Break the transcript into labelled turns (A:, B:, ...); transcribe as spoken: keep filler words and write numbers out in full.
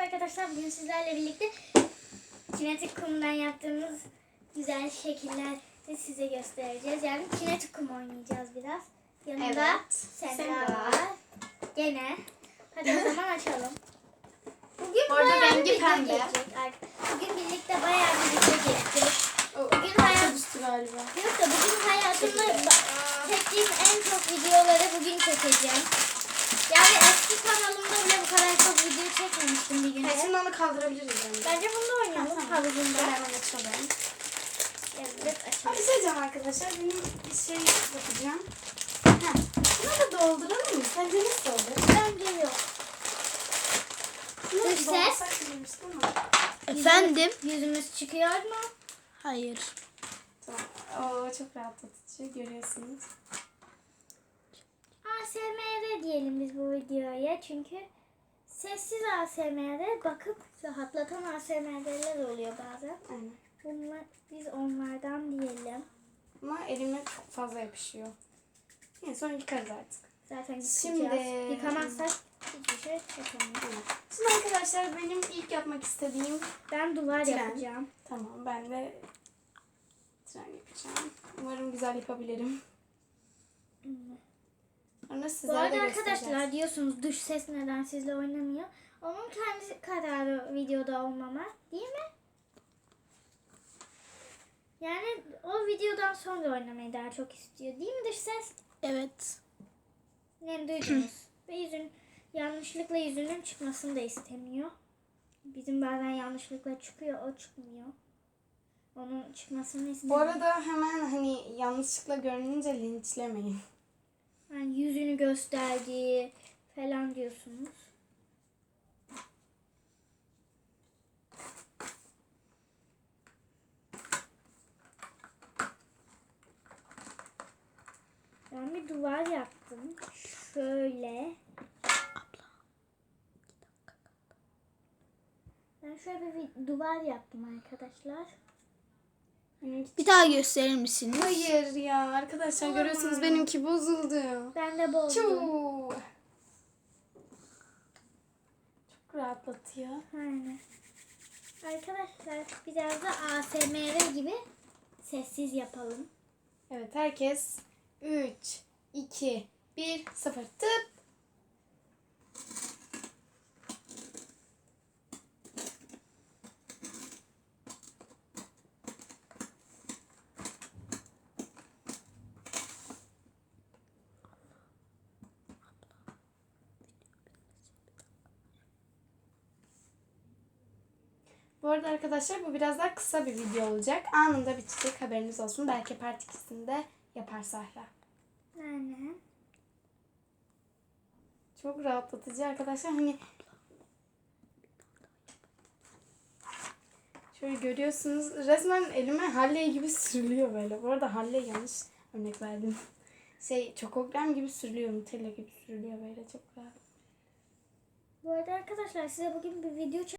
A: arkadaşlar. Bugün sizlerle birlikte kinetik kumdan yaptığımız güzel şekiller de size göstereceğiz. Yani kinetik kum oynayacağız biraz. Yanında
B: Evet.
A: Semra
B: Semra.
A: var. Gene. Hadi o zaman açalım. Bugün
B: Bu arada
A: bayağı bir
B: rengi
A: video
B: pembe.
A: gelecek. Bugün birlikte bayağı bir video gelecek. Bugün
B: Parça
A: hayat...
B: düştü galiba.
A: Yok da bugün hayatımda ba- çektiğim en çok videoları bugün çekeceğim. Yani eski kanalımda bile bu kadar çok video çekmemiştim bir günde.
B: Evet, şimdi onu kaldırabiliriz yani.
A: Bence bunu da oynayalım
B: Tamam.
A: havuzunda.
B: Ben hemen açalım.
A: Evet,
B: Abi
A: açalım.
B: bir şey diyeceğim arkadaşlar. Benim bir şey yapacağım. Heh. Şunu da dolduralım mı? Sence nasıl olur?
A: Bence yok.
B: Şunu
A: Dış ses.
B: doldursak güzelmiş değil mi?
C: Efendim?
A: Yüzümüz çıkıyor mu?
C: Hayır.
B: Tamam. Oo, çok rahatlatıcı görüyorsunuz.
A: A S M R diyelim biz bu videoya. Çünkü sessiz A S M R bakıp rahatlatan A S M R'ler oluyor bazen.
B: Aynen.
A: Bunlar, biz onlardan diyelim.
B: Ama elime çok fazla yapışıyor. Yani sonra yıkarız artık.
A: Zaten
B: Şimdi-
A: yıkayacağız. Yıkamazsak hiçbir şey yapamayız.
B: Evet. Şimdi arkadaşlar benim ilk yapmak istediğim...
A: Ben duvar
B: Tren.
A: yapacağım.
B: Tamam, ben de tren yapacağım. Umarım güzel yapabilirim. Sonra
A: Bu
B: sizlere
A: arada
B: de
A: arkadaşlar
B: göstereceğiz.
A: diyorsunuz dış ses neden sizle oynamıyor. Onun kendi kararı videoda olmama, değil mi? Yani o videodan sonra oynamayı daha çok istiyor, değil mi dış ses?
C: Evet.
A: Ne duydunuz? Ve yüzün yanlışlıkla yüzünün çıkmasını da istemiyor. Bizim bazen yanlışlıkla çıkıyor, o çıkmıyor. Onun çıkmasını
B: Bu
A: istemiyor.
B: arada hemen hani yanlışlıkla görününce linçlemeyin.
A: Yani yüzünü gösterdiği falan diyorsunuz. Ben bir duvar yaptım. Şöyle. Ben şöyle bir duvar yaptım arkadaşlar.
B: Benimki...
C: Bir daha gösterir misiniz?
B: Hayır ya arkadaşlar
A: Olamaz.
B: görüyorsunuz benimki bozuldu.
A: Ben de bozdum.
B: Çok. Çok rahatlatıyor.
A: Aynen. Arkadaşlar biraz da A S M R gibi sessiz yapalım.
B: Evet, herkes üç, iki, bir, sıfır tıp. Bu arada arkadaşlar bu biraz daha kısa bir video olacak. Anında bitecek, haberiniz olsun. Belki part ikisinde yapar Sahra.
A: Aynen.
B: Çok rahatlatıcı arkadaşlar. Hani şöyle görüyorsunuz. Resmen elime Halley gibi sürülüyor böyle. Bu arada Halley yanlış örnek verdim. Şey çokogram gibi sürülüyor. Nutella gibi sürülüyor böyle çok rahat.
A: Bu arada arkadaşlar size bugün bir video